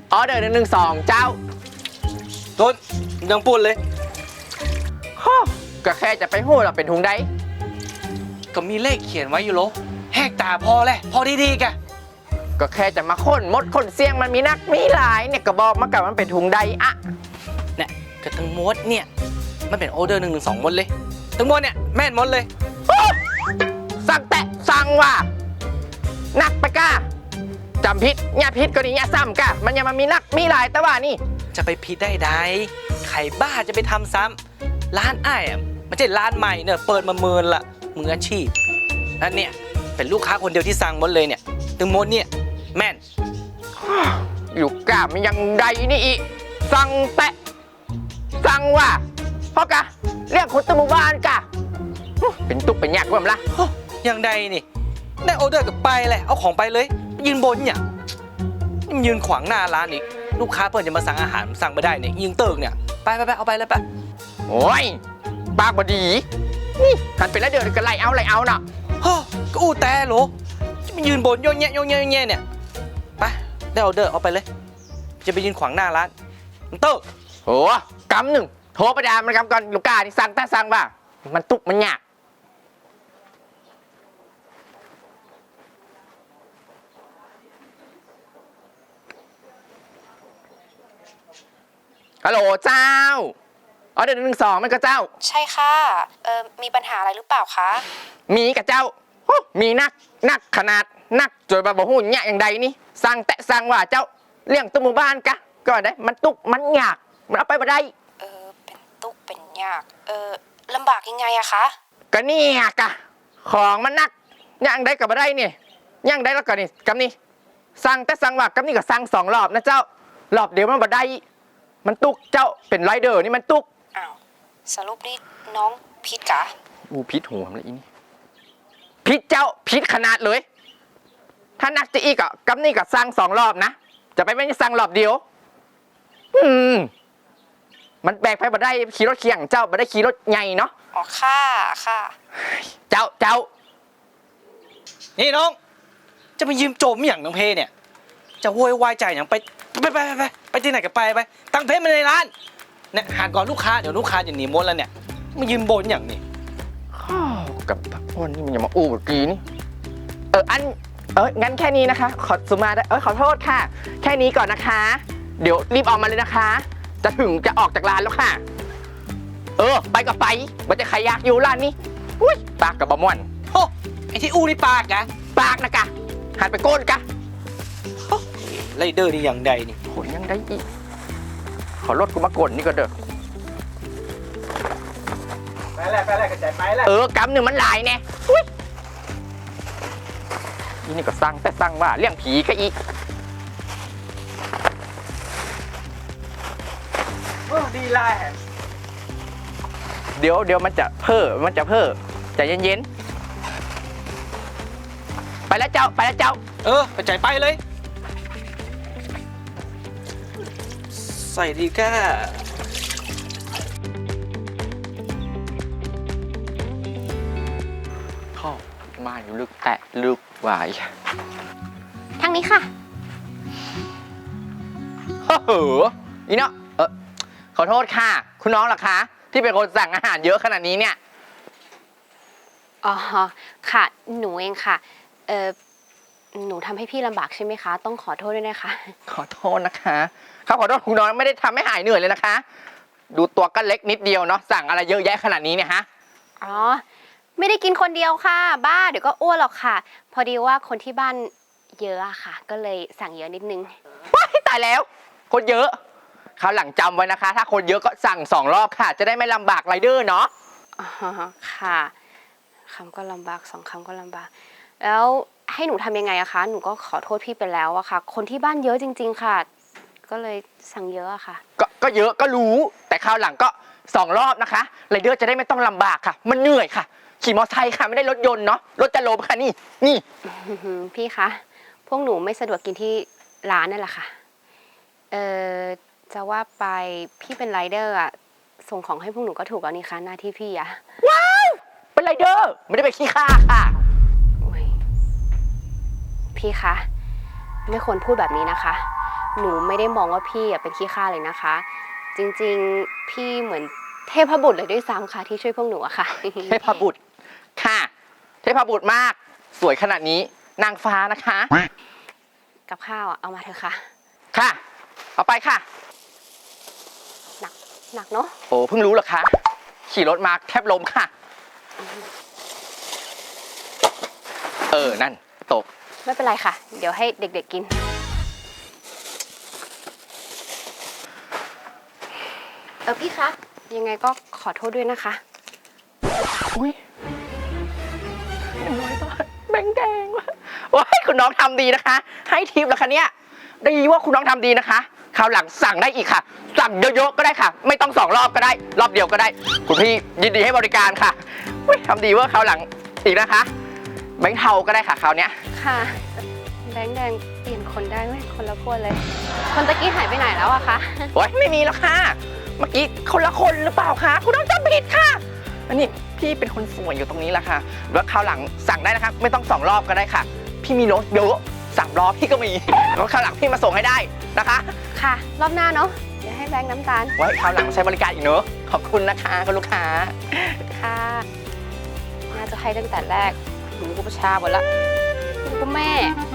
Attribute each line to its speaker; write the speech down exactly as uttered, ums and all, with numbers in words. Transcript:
Speaker 1: ออเดอร์หนึ่งหนึ่งสองเจ้า
Speaker 2: ต้นยังปุ่นเลย
Speaker 1: ฮ่อก็แค่จะไปหู้เราเป็นทุงได้
Speaker 2: ก็มีเลขเขียนไว้อยู่โลแหกตาพอแหละพอดีๆกะ
Speaker 1: ก็แค่จะมาค้นมดค้นเสียงมันมีนักมีหลายเนี่ยก็บอกมากับมันเป็นทุงได้อะ
Speaker 2: เนี่ยก็ทั้งหมดเนี่ยมันเป็นออเดอร์หนึ่งหนึ่งสองหมดเลยทั้งหมดเนี่ยแม่นหมดเลย
Speaker 1: สั่งแตะสั่งว่านักไปก้าจำพิษเนี่ยพิษก็ดีเนี่ยซ้ำก้ามันยังมามีนักมีหลายแต่ว่านี่
Speaker 2: จะไปผิดได้ใดใครบ้าจะไปทำซ้ำร้านอ้ายอ่ะมันใช่ร้านใหม่เนี่ยเปิดมาเมินละมืออาชีพนั่นเนี่ยเป็นลูกค้าคนเดียวที่สั่งหมดเลยเนี่ยทั้งหมดเนี่ยแม่น
Speaker 1: อยู่ก้ามันยังใดนี่อีสั่งแตะสั่งว่าเพราะกะเรียกคนตะหมู่บ้านกะเป็นตุกเป็นยากเบิ่มละ
Speaker 2: อย่างใดนี่ได้ออเดอร์กับไปแหละเอาของไปเลยยืนบนเนี่ยนี่ยืนขวางหน้าร้านอีกลูกค้าเพิ่นจะมาสั่งอาหารสั่งไม่ได้เนี่ยยิงเติกเนี่ยไปไปไปเอาไปเลยไป
Speaker 1: โอ้ยปากบดีนี่หันไปแล้วเดี๋ยวก็ไล่เอาไล่เอาน่ะ
Speaker 2: ฮะก็อู้แต่โหลจะไปยืนบนโยนแยะโยนแยะโยนแยะเนี่ยไปได้ออเดอร์เอาไปเลยจะไปยืนขวางหน้าร้านมันเติก
Speaker 1: โหกำหนึ่งโทรไปด่ามันกำก่อนลูกกาที่สั่งแต่สั่งว่ามันตุกมันยากฮัลโหลเจ้าอ๋อเดี๋ยวหนึ่งสองมันก็เจ้า
Speaker 3: ใช่ค่ะ เออมีปัญหาอะไรหรือเปล่าคะ
Speaker 1: มีกับเจ้าโอ้มีนักนักขนาดนักจนบาบหูเนี่ยอย่างใดนี่สั่งแต่สั่งว่าเจ้าเลี้ยงตัวหมู่บ้านกะก็ได้มันตุกมันยากมันเอาไปบ่ได้
Speaker 3: เออ เป็นตุกเป็นยาก เออลำบากยังไงอะคะ
Speaker 1: ก็นี่กะของมันนักอย่างใดกับบ่ได้นี่อย่างใดแล้วก็นี่กับนี่สั่งแต่สั่งว่ากับนี่ก็สั่งสองรอบนะเจ้ารอบเดียวมันบ่ได้มันตุกเจ้าเป็นไรเดอร์นี่มันตุก
Speaker 3: อ้าว สรุปนี่น้องพิษกะ
Speaker 1: อูพิษหัวมันเลยอีนี่พิษเจ้าพิษขนาดเลย ถ้านักจะอีกอ่ะกับนี่ก็สั่งสองรอบนะจะไปไม่ได้สั่งรอบเดียวอืมมันแบกไปบ่ได้ขี่รถเคียงเจ้าบ่ได้ขี่รถใหญ่เนาะ
Speaker 3: อ๋อ ค่ะ ค่ะ
Speaker 1: เจ้าเจ้า
Speaker 2: นี่น้องจะไปยืมโจมอย่างน้องเพเนี่ยจะโวยวายใจอย่างไปไปไปไปไปไปที่ไหนก็ไปไปตั้งเพจมาในร้านเนี่ยหาก่อนลูกค้าเดี๋ยวลูกค้าจะหนีหมดแล้วเนี่ยมายืมบนอย่างนี้
Speaker 1: ข้าวกับวันนี้มันอย่ามาอู้เมื่อกี้นี่เอออันเอองั้นแค่นี้นะคะ ขอสุมาได้เออขอโทษค่ะ แค่นี้ก่อนนะคะ เดี๋ยวรีบออกมาเลยนะคะ จะถึงจะออกจากร้านแล้วค่ะ เออ ไปก็ไปมันจะใครอยากอยู่ร้านนี้อุ้ยปากกับบะม่วน
Speaker 2: โอ้ไอที่อู้นี่ปากอะ
Speaker 1: ปากนะกะหันไปโกนกะ
Speaker 2: โอ้ไรเดอร์นี่อย่างใดนี่
Speaker 1: ขนยังได้อีกขอรถกูมากดนี่ก็เด้อ
Speaker 2: ไปแล้วไปแล้วกระจายไปแล้ว
Speaker 1: เออกำหนึ่งมันหลายแน่อุ้ยอีนี่ก็สั่งแต่สั่งว่าเรื่องผีก็อีก
Speaker 2: โอ้ดีไล่
Speaker 1: เดี๋ยวเดี๋ยวมันจะเพ้อมันจะเพ้อใจเย็นๆไปแล้วเจ้าไปแล้วเจ้า
Speaker 2: เออกระจายไปเลย ใส่ดีก้า
Speaker 1: เข้ามาอยู่ลึกแตะลึกหวาย
Speaker 3: ทางนี้ค่ะ
Speaker 1: เฮ้ออีเนาะเออขอโทษค่ะ คุณน้องล่ะคะ ที่เป็นคนสั่งอาหารเยอะขนาดนี้เนี่ย
Speaker 3: อ๋อ ค่ะ หนูเองค่ะ เออหนูทำให้พี่ลำบากใช่ไหมคะ ต้องขอโทษด้วยนะคะ
Speaker 1: ขอโทษนะคะเขาขอโทษคุณน้องไม่ได้ทำให้หายเหนื่อยเลยนะคะ ดูตัวก็เล็กนิดเดียวเนาะสั่งอะไรเยอะแยะขนาดนี้เนี่ยฮะ
Speaker 3: อ๋อ ไม่ได้กินคนเดียวค่ะ บ้า เดี๋ยวก็อ้วนหรอกค่ะ พอดีว่าคนที่บ้านเยอะอะค่ะ ก็เลยสั่งเยอะนิดนึง
Speaker 1: ว้ายตายแล้ว คนเยอะคราวหลังจำไว้นะคะ ถ้าคนเยอะก็สั่งสองรอบค่ะ จะได้ไม่ลำบากไรเดอร์เนาะ
Speaker 3: อ๋อ ค่ะคำก็ลำบากสองคำก็ลำบาก แล้วให้หนูทำยังไงอะคะ หนูก็ขอโทษพี่ไปแล้วอะค่ะ คนที่บ้านเยอะจริง ๆ ค่ะ ก็เลยสั่งเยอะอะค่ะ
Speaker 1: ก็ก็เยอะก็รู้ แต่คราวหลังก็สองรอบนะคะไรเดอร์จะได้ไม่ต้องลำบากค่ะ มันเหนื่อยค่ะ ขี่มอเตอร์ไซค์ค่ะไม่ได้รถยนต์เนาะรถจะล้มค่ะนี่นี่
Speaker 3: อื้อหือพี่คะ พวกหนูไม่สะดวกกินที่ร้านนั่นแหละค่ะ เออจะว่าไปพี่เป็นไรเดอร์อะส่งของให้พวกหนูก็ถูกแล้วนี่คะหน้าที่พี่อะ
Speaker 1: ว้าวเป็นไรเดอร์ไม่ได้ไปขี้ข้าค่ะ
Speaker 3: อุ๊ยพี่คะ ไม่ควรพูดแบบนี้นะคะหนูไม่ได้มองว่าพี่อะเป็นขี้ข้าเลยนะคะ จริงๆพี่เหมือนเทพบุตรเลยด้วยซ้ำค่ะที่ช่วยพวกหนูอะค่ะ
Speaker 1: เทพบุตรค่ะ เทพบุตรมาก สวยขนาดนี้นางฟ้านะคะ
Speaker 3: กับข้าวอะเอามาเถอะค่ะ
Speaker 1: ค่ะ เอาไปค่ะ
Speaker 3: หนักหนักเนาะ
Speaker 1: โอ้เพิ่งรู้เหรอคะ ขี่รถมาแทบล้มค่ะ เออ นั่น ตก
Speaker 3: ไม่เป็นไรค่ะ เดี๋ยวให้เด็กๆกิน เออพี่คะ ยังไงก็ขอโทษด้วยนะคะ
Speaker 1: อุ้ยหนึ่งร้อยบาทแบงค์แดงว่ะว้ายคุณน้องทำดีนะคะ ให้ทิปแล้วคะเนี่ยดีว่าคุณน้องทำดีนะคะคราวหลังสั่งได้อีกค่ะ สั่งเยอะๆก็ได้ค่ะ ไม่ต้องสองรอบก็ได้ รอบเดียวก็ได้ คุณพี่ยินดีให้บริการค่ะอุ้ยทำดีว่าคราวหลังอีกนะคะ แบงค์เทาก็ได้ค่ะคราวเนี้ย
Speaker 3: ค่ะ แบงค์แดงเปลี่ยนคนได้ไหมคนละคนเลย คนตะกี้หายไปไหนแล้วอะคะ
Speaker 1: โอ้ยไม่มีแล้วค่ะ เมื่อกี้คนละคนหรือเปล่าคะคุณน้องจำผิดค่ะอันนี้พี่เป็นคนสวยอยู่ตรงนี้แหละค่ะแล้วคราวหลังสั่งได้นะคะ ไม่ต้องสองรอบก็ได้ค่ะ พี่มีรถเยอะสามรอบพี่ก็มีแล้วคราวหลังพี่มาส่งให้ได้นะคะ
Speaker 3: ค่ะ รอบหน้าเนาะ เดี๋ยวให้แบงค์น้ำตาล
Speaker 1: ไว้คราวหลังใช้บริการอีกเนอะขอบคุณนะคะคุณลูกค้า
Speaker 3: ค่ะ น่าจะให้ตั้งแต่แรกหนูก็ประชาหมดละหนูก็แม่